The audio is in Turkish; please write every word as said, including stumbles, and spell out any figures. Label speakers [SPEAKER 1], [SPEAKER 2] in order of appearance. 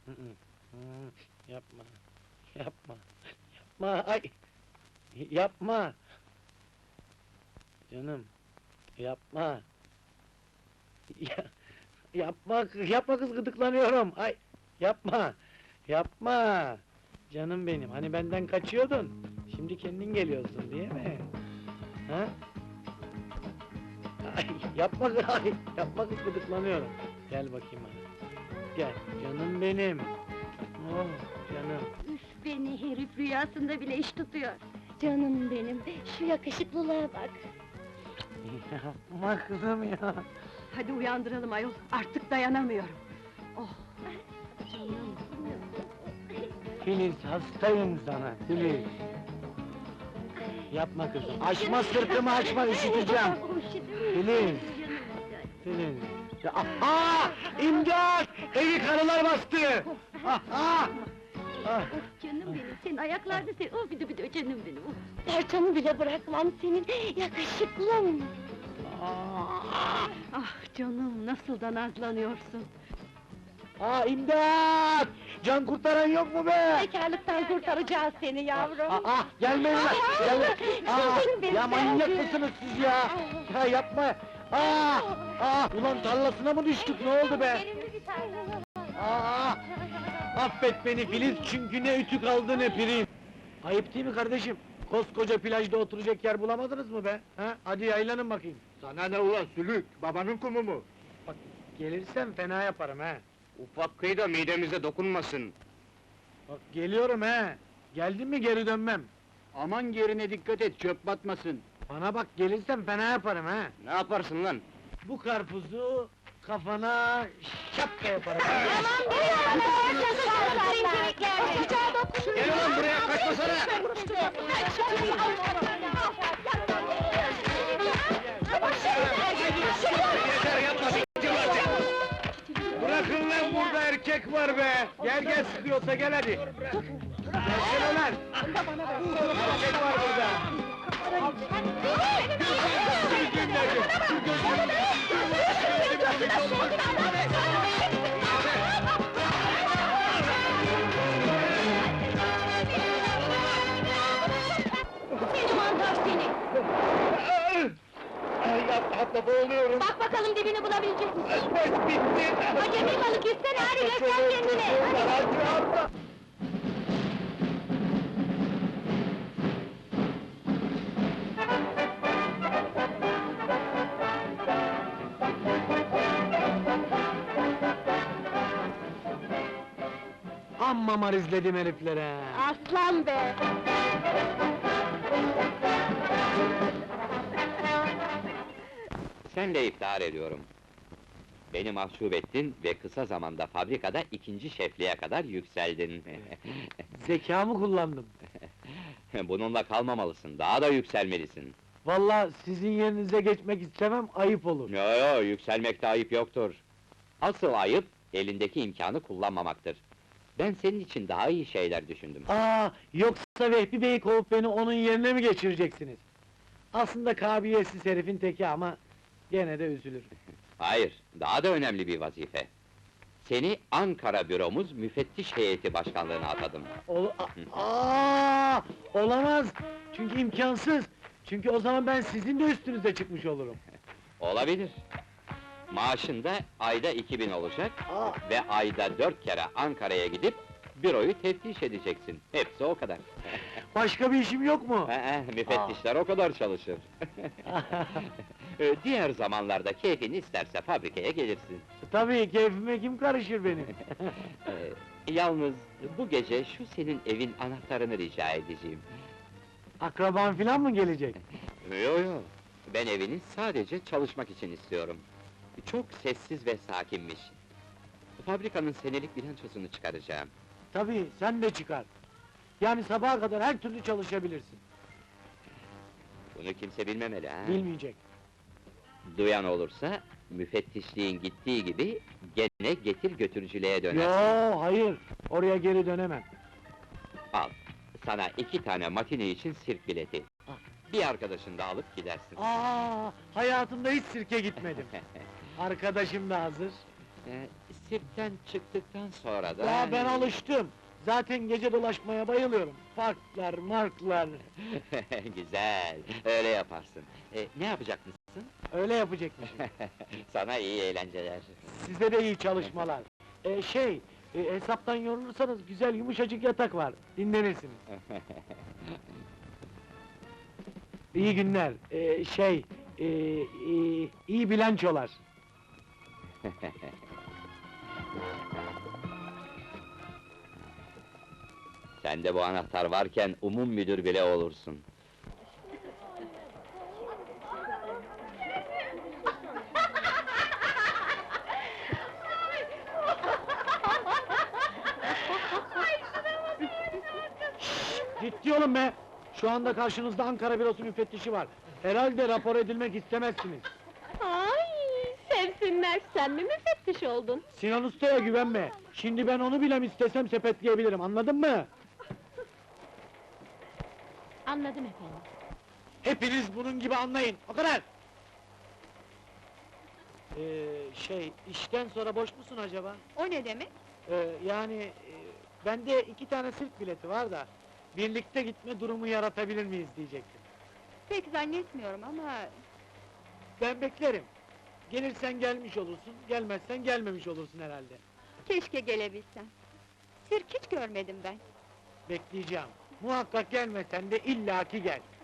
[SPEAKER 1] Hı hı. Hı, yapma, yapma, yapma, ay! Yapma! Canım, yapma! Ya, yapma, kız- yapma kız, gıdıklanıyorum! Ay! Yapma! Yapma! Canım benim, hani benden kaçıyordun, şimdi kendin geliyorsun, değil mi? Ha? Ay, yapma kız, ay! Yapma kız, gıdıklanıyorum! Gel bakayım bana, gel, canım benim! Oh, canım!
[SPEAKER 2] Üf, beni herif rüyasında bile iş tutuyor. Canım benim, şu yakışıklılığa bak.
[SPEAKER 1] Yapma kızım ya!
[SPEAKER 3] Hadi uyandıralım ayol, artık dayanamıyorum. Oh, canım.
[SPEAKER 1] Filiz, hastayım sana, Filiz! Yapma kızım, açma sırtımı, açma, üşüteceğim! Filiz! Filiz! Ya, aha! İmdat! Evi karılar bastı! Aha! Ah!
[SPEAKER 2] Canım benim, senin ayaklarda sen, oh bir de bir de canım benim. Parçamı bile bırakmam senin, yakışıklım!
[SPEAKER 1] Ah!
[SPEAKER 3] Ah canım, nasıl da nazlanıyorsun.
[SPEAKER 1] Ah, imdat! Can kurtaran yok mu be?
[SPEAKER 2] Bekarlıktan kurtaracağız seni yavrum!
[SPEAKER 1] Ah, ah, gelmeyin lan! Gelme! Ah,
[SPEAKER 2] Canım benim,
[SPEAKER 1] ya manyak
[SPEAKER 2] geldi.
[SPEAKER 1] mısınız siz ya? Ya yapma! Ah! Ah! Ulan tarlasına mı düştük, ne oldu be? Ah! Affet beni Filiz, çünkü ne ütü kaldı ne prim! Ayıp değil mi kardeşim? Koskoca plajda oturacak yer bulamadınız mı be? Ha? Hadi yaylanın bakayım!
[SPEAKER 4] Sana ne ulan sülük, babanın kumu mu?
[SPEAKER 1] Bak, gelirsem fena yaparım ha!
[SPEAKER 4] Ufak kıy da midemize dokunmasın.
[SPEAKER 1] Bak, geliyorum ha! Geldim mi geri dönmem!
[SPEAKER 4] Aman yerine dikkat et, çöp batmasın.
[SPEAKER 1] Bana bak, gelirsem fena yaparım ha!
[SPEAKER 4] Ne yaparsın lan?
[SPEAKER 1] Bu karpuzu kafana şapka yaparım!
[SPEAKER 2] Aman be ya! Sıcağı dokunuyor!
[SPEAKER 4] Gel ulan buraya, kaçmasana! Yeter yapma, s**tim artık!
[SPEAKER 1] Bırakın lan, burada erkek var be! Gel gel, sıkıyorsa gel hadi! Gelsene lan! Erkek var burada!
[SPEAKER 2] Seni mantar seni!
[SPEAKER 1] Ay, atla atla, boğuluyorum!
[SPEAKER 2] Bak bakalım dibini bulabilecek misin?
[SPEAKER 1] Bes bitti!
[SPEAKER 2] Acemi balık istene, hadi göster kendini!
[SPEAKER 1] Hadi atla! Amma mar izledim heriflere!
[SPEAKER 2] Aslan be!
[SPEAKER 5] Senle iftihar ediyorum. Beni mahcup ettin ve kısa zamanda fabrikada ikinci şefliğe kadar yükseldin.
[SPEAKER 1] Zekamı kullandım.
[SPEAKER 5] Bununla kalmamalısın, daha da yükselmelisin.
[SPEAKER 1] Vallahi sizin yerinize geçmek istemem, ayıp olur.
[SPEAKER 5] Yo yo, yükselmekte ayıp yoktur. Asıl ayıp, elindeki imkanı kullanmamaktır. Ben senin için daha iyi şeyler düşündüm.
[SPEAKER 1] Aa, yoksa Vehbi Bey'i kovup beni onun yerine mi geçireceksiniz? Aslında kabiliyetsiz herifin teki ama gene de üzülür.
[SPEAKER 5] Hayır, daha da önemli bir vazife. Seni Ankara büromuz müfettiş heyeti başkanlığına atadım.
[SPEAKER 1] Ol A- Aa, olamaz! Çünkü imkansız! Çünkü o zaman ben sizin de üstünüze çıkmış olurum.
[SPEAKER 5] Olabilir. Maaşın da ayda iki bin olacak
[SPEAKER 1] Aa,
[SPEAKER 5] ve ayda dört kere Ankara'ya gidip büroyu teftiş edeceksin. Hepsi o kadar.
[SPEAKER 1] başka bir işim yok mu?
[SPEAKER 5] Ee, müfettişler o kadar çalışır. Ee, Diğer zamanlarda keyfin isterse fabrikaya gelirsin.
[SPEAKER 1] Tabii, keyfime kim karışır benim?
[SPEAKER 5] Ee, Yalnız bu gece şu senin evin anahtarını rica edeceğim.
[SPEAKER 1] Akraban filan mı gelecek?
[SPEAKER 5] Yo yo, ben evini sadece çalışmak için istiyorum. Çok sessiz ve sakinmiş. Fabrikanın senelik bilançosunu çıkaracağım.
[SPEAKER 1] Tabii, sen de çıkar. Yani sabaha kadar her türlü çalışabilirsin.
[SPEAKER 5] Bunu kimse bilmemeli ha.
[SPEAKER 1] Bilmeyecek.
[SPEAKER 5] Duyan olursa, müfettişliğin gittiği gibi, gene getir götürücülüğe dönersin.
[SPEAKER 1] Yo, hayır, oraya geri dönemem.
[SPEAKER 5] Al, sana iki tane matine için sirk bileti.
[SPEAKER 1] Ah.
[SPEAKER 5] Bir arkadaşını da alıp gidersin.
[SPEAKER 1] Aa, hayatımda hiç sirke gitmedim. Arkadaşım da hazır.
[SPEAKER 5] Ee, sirkten çıktıktan sonra da...
[SPEAKER 1] Ya ben alıştım. Zaten gece dolaşmaya bayılıyorum. Parklar, marklar.
[SPEAKER 5] Güzel, öyle yaparsın. E, ne yapacak mısın?
[SPEAKER 1] Öyle yapacakmışım.
[SPEAKER 5] Sana iyi eğlenceler.
[SPEAKER 1] Size de iyi çalışmalar. Ee, şey, e, hesaptan yorulursanız güzel yumuşacık yatak var. Dinlenirsiniz. İyi günler. Ee, şey, e, e, iyi bilançolar.
[SPEAKER 5] Sende bu anahtar varken umum müdür bile olursun.
[SPEAKER 1] Ciddi olun be! Şu anda karşınızda Ankara Bürosu müfettişi var. Herhalde rapor edilmek istemezsiniz.
[SPEAKER 2] Ay, sevsinler, sen mi müfettiş oldun?
[SPEAKER 1] Sinan Usta'ya güvenme. Şimdi ben onu bile istesem sepetleyebilirim, anladın mı?
[SPEAKER 2] Anladım efendim.
[SPEAKER 1] Hepiniz bunun gibi anlayın, o kadar! Ee, şey, işten sonra boş musun acaba?
[SPEAKER 3] O ne demek?
[SPEAKER 1] Ee, yani, e, bende iki tane sirk bileti var da... ...birlikte gitme durumu yaratabilir miyiz diyecektim.
[SPEAKER 3] Pek zannetmiyorum ama...
[SPEAKER 1] Ben beklerim. Gelirsen gelmiş olursun, gelmezsen gelmemiş olursun herhalde.
[SPEAKER 3] Keşke gelebilsem. Sirk hiç görmedim ben.
[SPEAKER 1] Bekleyeceğim. Muhakkak gelmesen de illaki gel.